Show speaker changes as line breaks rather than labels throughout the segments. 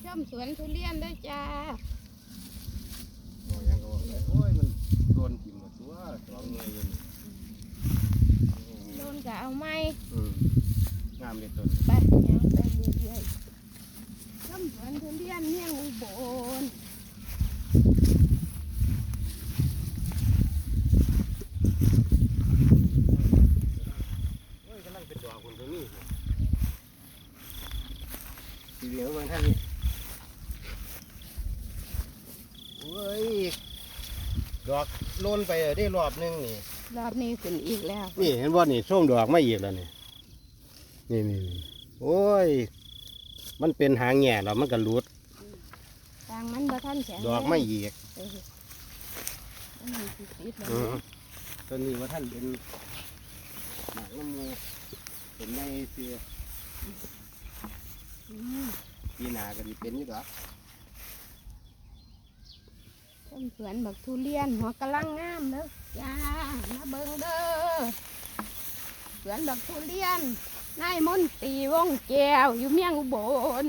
มสวนทุเรียนด้วยจ้า
โอ้ยังก็บอกเลยโอ้ยมันโดนกินหมดตัวสองเงยอยู่นี่
โดนกะเอาไหม
งามเลยต้น
ไปยังไปเรื่อยๆชมสวนทุเรียนเมี่ยงอุบล
โอ้ยกำลังเป็นดอกคนตรงนี้ทีเดียวเบิ่งท่านนี่โอ้ยดอกโลนไปได้รอบนึงนี่
รอบนี้ขึ้นอีกแล้ว
นี่เห็นว่านี่ส้มดอกไม่อีกแล้วนี่นี่โอ้ยมันเป็นหางแง่แล้วมันก็หลุด
ทางมันบ่ทันแข็ง
ดอกไม่อีก
มันมีติดๆแล้ว
ต้นนี้ว่าท่านเป็นหมากน้ำมูเป็นในเสือปีหนาก็ดีเป็นอยู่ดอก
ชมสวนบักทุเรียนหัวกะลังงามเด้อจ้ามาเบิ่งเด้อสวนบักทุเรียนนายมนตรีวงแก้วอยู่เมียงอุบล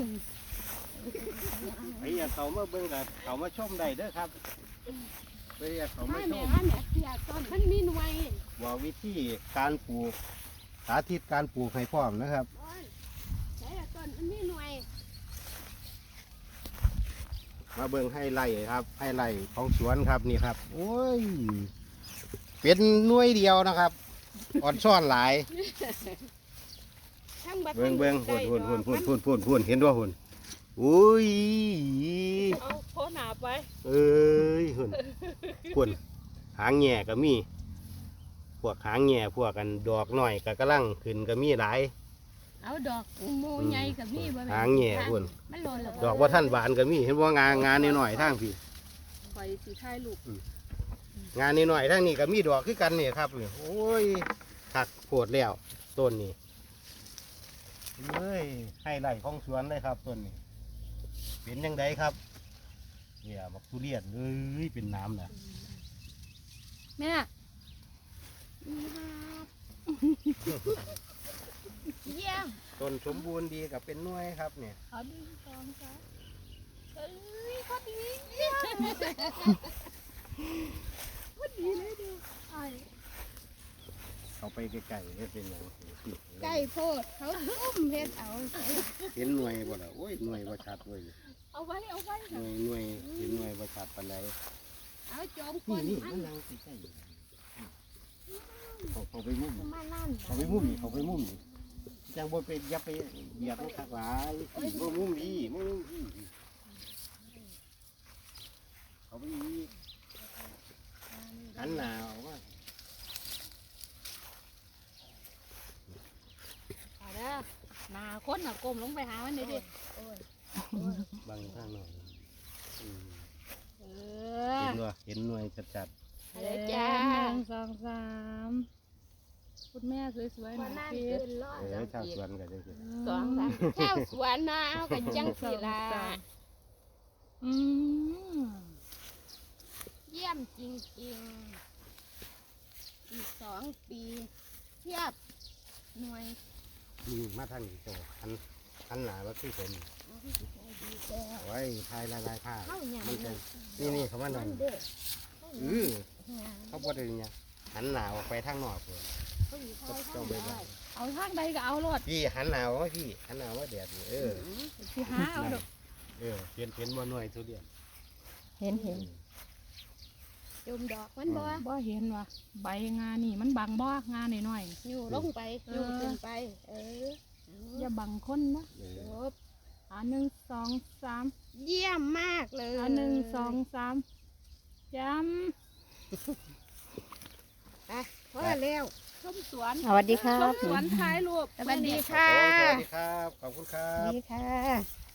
ไปอยากเขามาเบิ่งกับเขามาชมได้เด้อครับไปอยากเขามาชม
แม่เสียต้นมันมีหน่วย
ว่าวิธีการปลูกสาธิตการปลูกให้พร้อมนะครับ
ใช่ต้นมันมีหน่วย
มาเบิ่งให้ไร่ครับให้ไร่ของสวนครับนี่ครับโอ้ยเป็นหน่วยเดียวนะครับอ่อนซ่อนหลายเบิ่งหุ่นเห็นว่าหุ่นอุ้ย
เอาโคหนาไป
เอ้ยหุ่นหางแง่ก็มีพวกหางแง่พวกกันดอกหน่อยก็กำลังขึ้นก็มีหลาย
เอาดอกมูใหญ่กับมี
หางแง่หุ่นดอกว่าท่านบานก็มีเห็นว่างานนิดหน่อยทางพี่
คอยสีท้ายลูก
งานนิดหน่อยทางนี้ก็มีดอกคือกันเนี่ยครับโอ้ยถักโผดแล้วต้นนี้เฮ้ยให้ไร่ของสวนเลยครับต้นนี้เป็นยังไงครับเนี่ยบักทุเรียนเลยเป็นน้ำนะ
แม่เยี่ยม
ต้นสมบูรณ์ดีกับเป็นหน่วยครับเนี่ย
ขอดึงกองจ้ะเอ้ยพอดีพอดีเลยดู
เขาไปไกลๆได้เป็นอย่าง
ไก่โพดเขาอุ้มเฮ็ดเอา
เห็นหน่วยบ่ล่ะโอ้ยหน่วยบ่ชัดเว้ย
เอาไว้
หน่วยเห็นหน่วยบ่ชัดปานใด
เอาโจมคน
นี่มันนั่งใกล้เขาไปมุมเขาไปมุมนี่จังบ่ไปอย่าไปเหยียบมันคักหลายบ่มุมดีเขาไปอีกหันหน้าออกมา
หนาคนน่ะก้มลงไปหามันดิ
บังข้างหน่อยเห็นหน่วยจัด
ๆอะไรจ้า1 2 3คุณแม่สวยๆหน่อยพี่
ชาวสวนกันเลย
2 3ชาวสวนนะเอากันจังสิล่ะเยี่ยมจริงๆอีก2 ปีเทียบหน่วย
มาทางนี้โตหันหน้าว่าคือผมไว้ทายลายผ้ามันจะนี่เขามาหน่อยเขาบดเลยเนี่ยหันหน้าออกไปทางนอกเลย
เอาทางใดก็เอารถ
พี่หันหน้าว่าพี่หันหน้าว่าแดด
พี่หาเอาดอก
เห็นบ่หน่วยทุเรียน
เห็นจุ่มดอกมัน
บ่เห็นว่ะใบงานี่มันบังบ่งาหน่อย
ๆอยู่ลงไปอยู่ขึ้นไป
อย่าบังคนนะ1 2 3
เยี่ยมมากเลย
1 2 3ย้
พอแล้ว
ชมสวน
สวัสดีครับ
ชมสวนถ่ายรูป
สวัสดีค่ะ
สวัสดีครับขอบคุณครับ
สวัสดีค่ะ